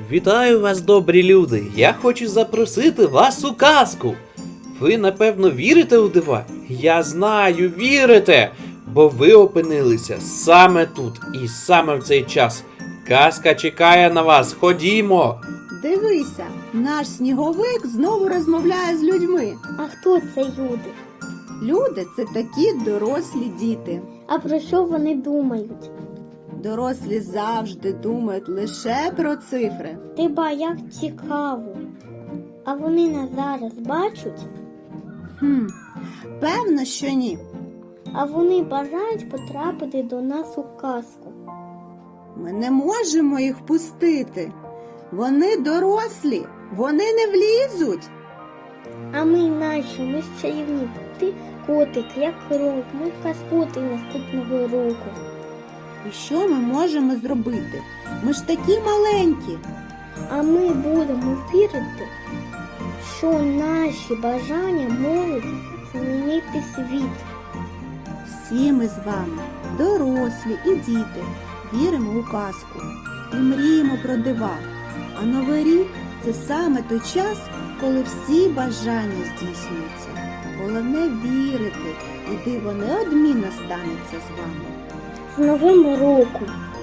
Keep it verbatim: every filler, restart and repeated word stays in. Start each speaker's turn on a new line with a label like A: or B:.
A: Вітаю вас, добрі люди! Я хочу запросити вас у казку. Ви, напевно, вірите у дива? Я знаю, вірите! Бо ви опинилися саме тут і саме в цей час. Казка чекає на вас, ходімо!
B: Дивися, наш сніговик знову розмовляє з людьми.
C: А хто це люди?
B: Люди – це такі дорослі діти.
C: А про що вони думають?
B: Дорослі завжди думають лише про цифри.
C: Ти ба, як цікаво. А вони нас зараз бачать?
B: Хм, певно, що ні.
C: А вони бажають потрапити до нас у казку.
B: Ми не можемо їх впустити. Вони дорослі, вони не влізуть.
C: А ми наші, ми ж чарівні. Ти котик, як крок, ми казкоти наступного року.
B: І що ми можемо зробити? Ми ж такі маленькі.
C: А ми будемо вірити, що наші бажання можуть змінити світ.
B: Всі ми з вами, дорослі і діти, віримо у казку і мріємо про дива. А Новий рік – це саме той час, коли всі бажання здійснюються. Головне вірити, і диво неодмінно станеться з вами.
C: З Новим роком!